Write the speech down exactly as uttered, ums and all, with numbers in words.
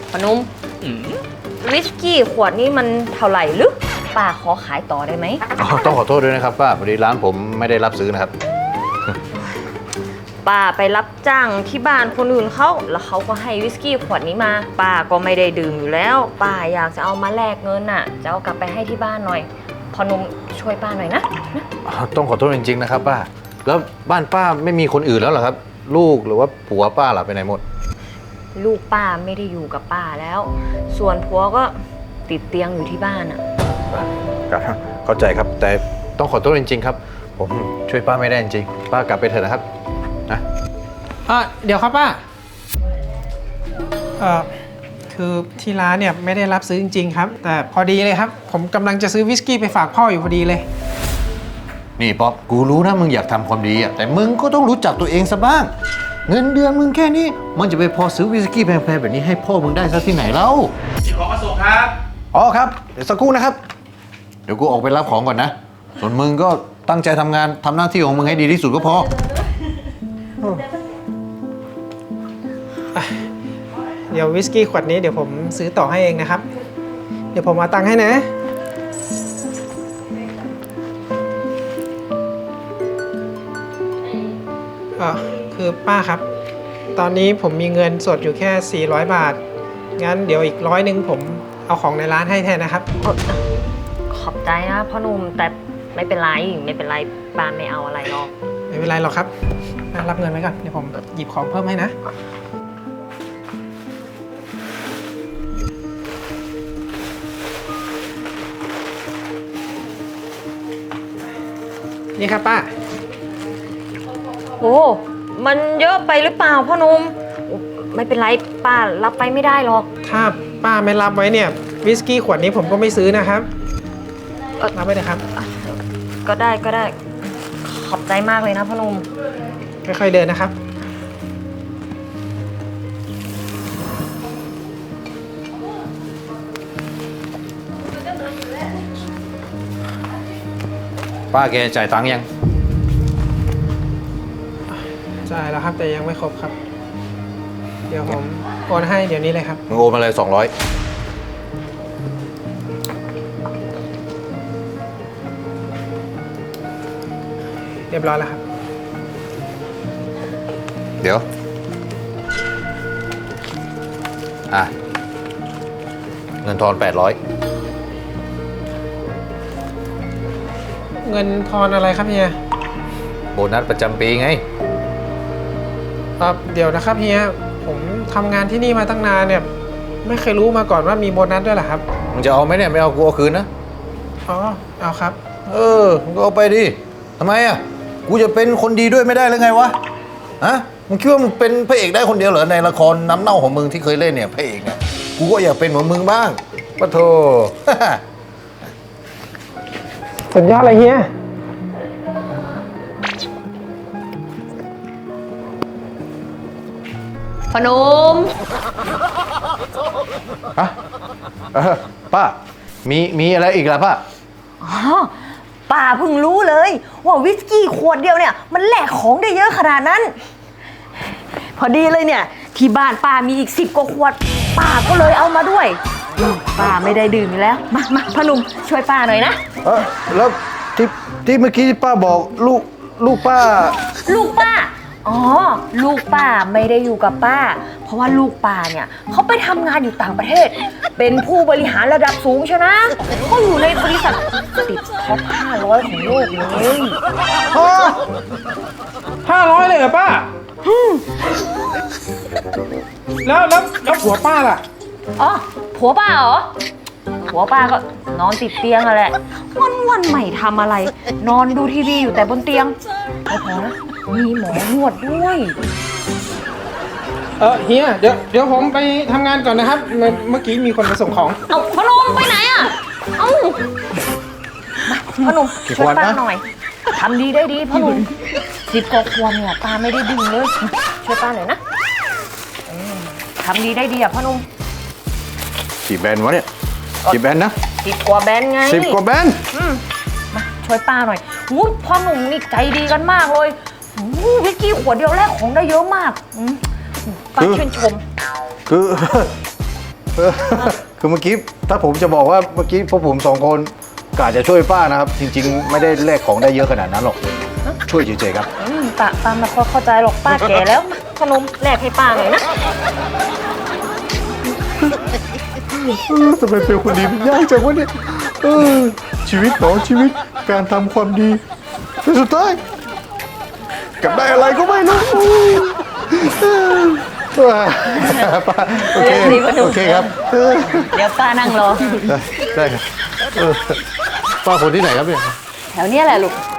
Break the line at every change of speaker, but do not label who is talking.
พนุ่มวิสกี้ขวดนี้มันเท่าไหร่หรือป้าขอขายต่อได้ไหม
ต้องขอโทษด้วยนะครับป้าพอดีร้านผมไม่ได้รับซื้อนะครับ
ป้าไปรับจ้างที่บ้านคนอื่นเขาแล้วเขาก็ให้วิสกี้ขวดนี้มาป้าก็ไม่ได้ดื่มอยู่แล้วป้าอยากจะเอามาแลกเงินน่ะจะเอากลับไปให้ที่บ้านหน่อยพอนุ่มช่วยป้าหน่อยนะ
ต้องขอโทษจริงๆนะครับป้าแล้วบ้านป้าไม่มีคนอื่นแล้วเหรอครับลูกหรือว่าผัวป้าหลับไปไหนหมด
ลูกป้าไม่ได้อยู่กับป้าแล้วส่วนผัวก็ติดเตียงอยู่ที่บ้านอ่ะ
ครับเข้าใจครับแต่ต้องขอโทษจริงๆครับผมช่วยป้าไม่ได้จริงๆป้ากลับไปเถอะนะครับนะ
อ่ะเดี๋ยวครับป้าเอ่อคือที่ร้านเนี่ยไม่ได้รับซื้อจริงๆครับแต่พอดีเลยครับผมกำลังจะซื้อวิสกี้ไปฝากพ่ออยู่พอดีเลย
นี่ป๊อปกูรู้นะมึงอยากทำความดีอ่ะแต่มึงก็ต้องรู้จักตัวเองซะบ้างเงินเดือนมึงแค่นี้มันจะไปพอซื้อวิสกี้แพงๆแบบนี้ให้พ่อมึงได้ซะที่ไหนเล่า
มีของมาส่งครับ
อ๋อครับเดี๋ยวสักครู่นะครับเดี๋ยวกูออกไปรับของก่อนนะส่วนมึงก็ตั้งใจทำงานทำหน้าที่ของมึงให้ดีที่สุดก็พอ
เดี๋ยววิสกี้ขวดนี้เดี๋ยวผมซื้อต่อให้เองนะครับเดี๋ยวผมเอาตังค์ให้นะเออคือป้าครับตอนนี้ผมมีเงินสดอยู่แค่สี่ร้อยบาทงั้นเดี๋ยวอีกร้อยหนึ่งผมเอาของในร้านให้แทนนะครับ
ขอบใจนะพ่อหนุ่มแต่ไม่เป็นไรไม่เป็นไรป้าไม่เอาอะไรหรอก
ไม่เป็นไรหรอกครับรับเงินไว้ก่อนเดี๋ยวผมหยิบของเพิ่มให้นะนี่ครับป้า
โอ้มันเยอะไปหรือเปล่าพ่อหนุ่มไม่เป็นไรป้ารับไปไม่ได้หรอก
ถ้าป้าไม่รับไว้เนี่ยวิสกี้ขวดนี้ผมก็ไม่ซื้อนะครับรับไว้เลยครับ
ก็ได้ก็ได้ขอบใจมากเลยนะพ่อหนุ่ม
ค่อยๆเดินนะครับ
ป้าแกจ่ายตังค์ยัง
จ่ายแล้วครับแต่ยังไม่ครบครับเดี๋ยวผมโอนให้เดี๋ยวนี้เลยครับ
มึงโอนมาเลยสองร้อย
เรียบร้อยแล้วครับ
เดี๋ยวอ่ะเงินทอนแปดร้อย
เงินทอนอะไรครับเฮีย
โบนัสประจำปีไง
ครับเดี๋ยวนะครับเฮียผมทำงานที่นี่มาตั้งนานเนี่ยไม่เคยรู้มาก่อนว่ามีโบนัสด้วยเหรอครับ
มึงจะเอาไหมเนี่ยไม่เอากูเอาคืนนะ
อ๋อเอาครับ
เออมึงก็เอาไปดิทำไมอ่ะกูจะเป็นคนดีด้วยไม่ได้หรือไงวะฮะมึงคิดว่ามึงเป็นพระเอกได้คนเดียวเหรอในละครน้ำเน่าของมึงที่เคยเล่นเนี่ยพระเอกเนี่ยกูก็อยากเป็นเหมือนมึงบ้างปะโถ
สุดยอดเลยเฮีย
พนม
ฮะเออป้ามีมีอะไรอีกล่ะป้า
อ๋อป้าเพิ่งรู้เลยว่าวิสกี้ขวดเดียวเนี่ยมันแลกของได้เยอะขนาดนั้นพอดีเลยเนี่ยที่บ้านป้ามีอีกสิบกว่าขวดป้าก็เลยเอามาด้วยป้าไม่ได้ดื่มแล้วมามาพนุ่มช่วยป้าหน่อยนะ
เออแล้วที่ที่เมื่อกี้ป้าบอกลูกลูกป้า
ลูกป้าอ๋อลูกป้าไม่ได้อยู่กับป้าเพราะว่าลูกป้าเนี่ยเขาไปทำงานอยู่ต่างประเทศเป็นผู้บริหารระดับสูงใช่ไหมเขาอยู่ในบริษัทติดท็อปห้าร้อยของโลกเลย
ห้าร้อยเลยเหรอป้าแล้วแล้วแล้วผัวป้าล่ะ
อ๋อผัวป้าเหรอผัวป้าก็นอนติดเตียงอะแหละวันวันใหม่ทำอะไรนอนดูทีวีอยู่แต่บนเตียงไม่พอนะมีหมอนวดด้วย
เออเฮียเดี๋ยวเดี๋ยวผมไปทำงานก่อนนะครับเมื่อกี้มีคนมาส่งของ
เอาพนมไปไหนอ่ะเอ้าพนมช่วยป้าหน่อยทำดีได้ดีพนมสิบกว่าขวดเนี่ยป้าไม่ได้ดื่มเลยช่วยป้าหน่อยนะทำดีได้ดีอ่ะพนม
กี่แบนวะเนี่ยกี่แบนนะ
สิบกว่าแบนไง
สิบกว่าแบน
มาช่วยป้าหน่อยวุ้ยพ่อหนุ่มนี่ใจดีกันมากเลยวิสกี้ขวดเดียวแรกของได้เยอะมากป้าชื่นชม
คือเออคือเมื่อกี้ถ้าผมจะบอกว่าเมื่อกี้พวกผมสองคนกะจะช่วยป้านะครับ จริง ๆ ไม่ได้แลกของได้เยอะขนาดนั้นหรอกช่วยเฉยๆครับ
อืมป้าป้าไม่ค่อยเข้าใจหรอกป้าแก่แล้วมาขนมแลกให้ป้าหน่อยนะ
ทำไมเป็นคนดีมันยากจังวะเนี่ยเออชีวิตของชีวิตการทำความดีแต่สุดท้ายกลับได้อะไรก็ไม่รู้ป้าโอเคโอเคครับเออ
เดี๋ยวป้านั่งรอ
ได้ได้ครับเออป้าคนที่ไหนครับเนี่ย
แถวเนี้ยแหละลูก